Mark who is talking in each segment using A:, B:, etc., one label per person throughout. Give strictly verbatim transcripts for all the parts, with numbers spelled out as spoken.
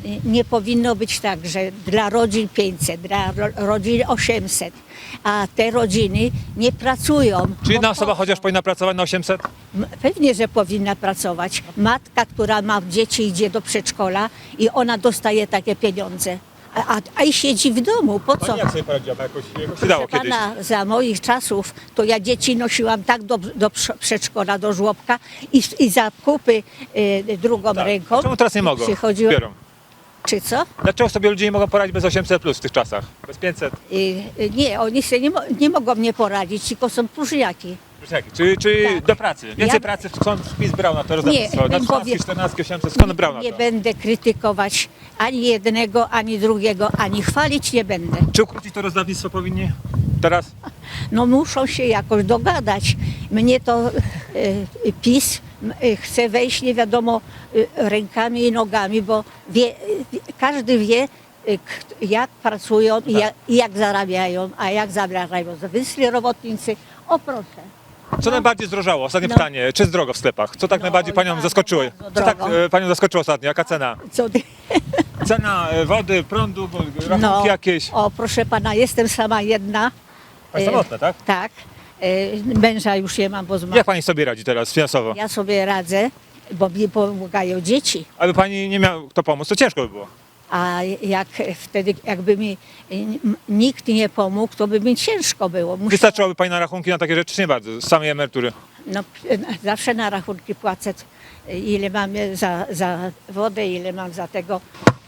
A: nie powinno być tak, że dla rodzin pięćset, dla ro, rodzin osiemset, a te rodziny nie pracują.
B: Czy jedna
A: Bo
B: osoba
A: po co?
B: chociaż powinna pracować na osiemset?
A: M- Pewnie, że powinna pracować. Matka, która ma dzieci, idzie do przedszkola i ona dostaje takie pieniądze. A, a, a i siedzi w domu, po co?
B: Pani jak sobie poradziła? Jakoś, jakoś się
A: Proszę
B: dało kiedyś.
A: pana, za moich czasów to ja dzieci nosiłam tak do, do prze- przedszkola, do żłobka i, i zakupy y, drugą
B: Tak.
A: ręką.
B: Czemu teraz nie mogą?
A: Przychodziła,
B: Biorą.
A: czy co?
B: Dlaczego sobie ludzie nie mogą poradzić bez osiemset plus w tych czasach? Bez pięćset?
A: Y, y, nie, oni sobie nie, mo- nie mogą mnie poradzić, tylko są próżniaki.
B: Czy, czy
A: Tak.
B: do pracy? Więcej
A: Ja-
B: pracy skąd PiS brał na to rozdawnictwo?
A: Nie,
B: Na
A: bym
B: trzynastki,
A: powie-
B: czternastki, osiemset, skąd brał na
A: Nie
B: to?
A: będę krytykować ani jednego, ani drugiego, ani chwalić nie będę.
B: Czy ukrócić to rozdawnictwo powinni teraz?
A: No muszą się jakoś dogadać. Mnie to y, y, PiS y, chce wejść nie wiadomo y, rękami i nogami, bo wie, y, każdy wie, y, k- jak pracują i jak, i jak zarabiają, a jak zarabiają. Wyszli robotnicy, o proszę.
B: Co najbardziej zdrożało? Ostatnie
A: No.
B: pytanie. Czy zdrogo w sklepach? Co tak
A: No,
B: najbardziej panią
A: bardzo,
B: zaskoczyło?
A: bardzo
B: Co tak
A: drogo.
B: e, panią zaskoczyło ostatnio? Jaka cena?
A: Co ty?
B: Cena e, wody, prądu, bo- rachunki
A: No,
B: jakieś?
A: o proszę pana, jestem sama jedna.
B: Pani
A: Y,
B: samotna, tak?
A: Tak. Y, Męża już nie mam, bo zmarł.
B: Jak pani sobie radzi teraz finansowo?
A: Ja sobie radzę, bo mi pomagają dzieci.
B: Aby pani nie miał kto pomóc, to ciężko by było.
A: A jak wtedy, jakby mi n- nikt nie pomógł, to by mi ciężko było. Muszę,
B: Wystarczyłoby pani na rachunki na takie rzeczy, czy nie bardzo, z samej emerytury?
A: no, zawsze na rachunki płacę, ile mamy za, za wodę, ile mam za tego.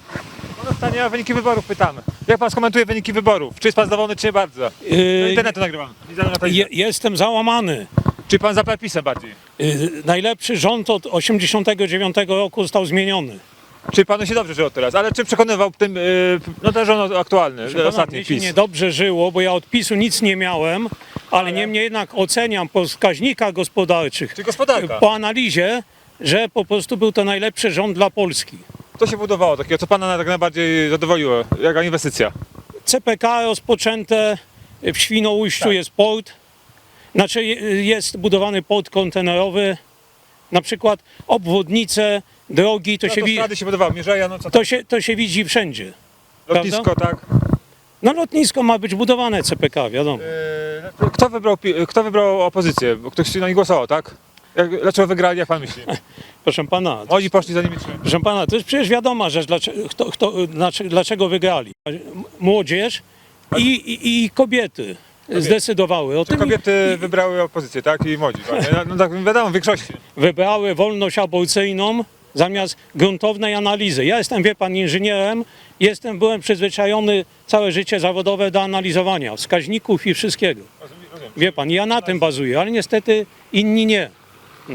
B: No pytanie o wyniki wyborów pytamy. Jak pan skomentuje wyniki wyborów? Czy jest pan zadowolony, czy nie bardzo? Do
C: Yy,
B: internetu nagrywam. Widzę na telewizji.
C: je, jestem załamany.
B: Czy pan za PiS-em bardziej?
C: Yy, najlepszy rząd od osiemdziesiątego dziewiątego roku został zmieniony.
B: Czy panu się dobrze żyło teraz? Ale czy przekonywał tym, yy, no ten rząd aktualny,
C: Proszę pana,
B: ostatni
C: mnie się
B: PiS?
C: niedobrze żyło, bo ja od PiSu nic nie miałem, ale niemniej jednak oceniam po wskaźnikach gospodarczych,
B: Czy gospodarka?
C: po analizie, że po prostu był to najlepszy rząd dla Polski.
B: Co się budowało takiego? Co pana tak najbardziej zadowoliło? Jaka inwestycja?
C: C P K rozpoczęte, w Świnoujściu
B: Tak.
C: jest port, znaczy je- jest budowany port kontenerowy, na przykład obwodnice, drogi, to,
B: No
C: się,
B: to
C: wi-
B: strady się budowały, Mierzeja, no co
C: to, się, to się widzi wszędzie.
B: lotnisko, tak.
C: No lotnisko ma być budowane C P K, wiadomo.
B: Yy, kto, wybrał, pi- kto wybrał opozycję? Bo ktoś na nich głosował, tak? Jak, dlaczego wygrali, jak pan myśli?
C: Proszę pana,
B: Młodzi poszli za nimi czy...
C: proszę pana, to jest przecież wiadoma rzecz, dlaczego, kto, kto, dlaczego, dlaczego wygrali. Młodzież i, i, i kobiety zdecydowały o
B: Czy
C: tym.
B: kobiety wybrały opozycję, tak? I młodzi, właśnie. No, no tak wiadomo, w większości.
C: Wybrały wolność aborcyjną zamiast gruntownej analizy. Ja jestem, wie pan, inżynierem, jestem, byłem przyzwyczajony całe życie zawodowe do analizowania wskaźników i wszystkiego. Wie pan, ja na tym bazuję, ale niestety inni nie.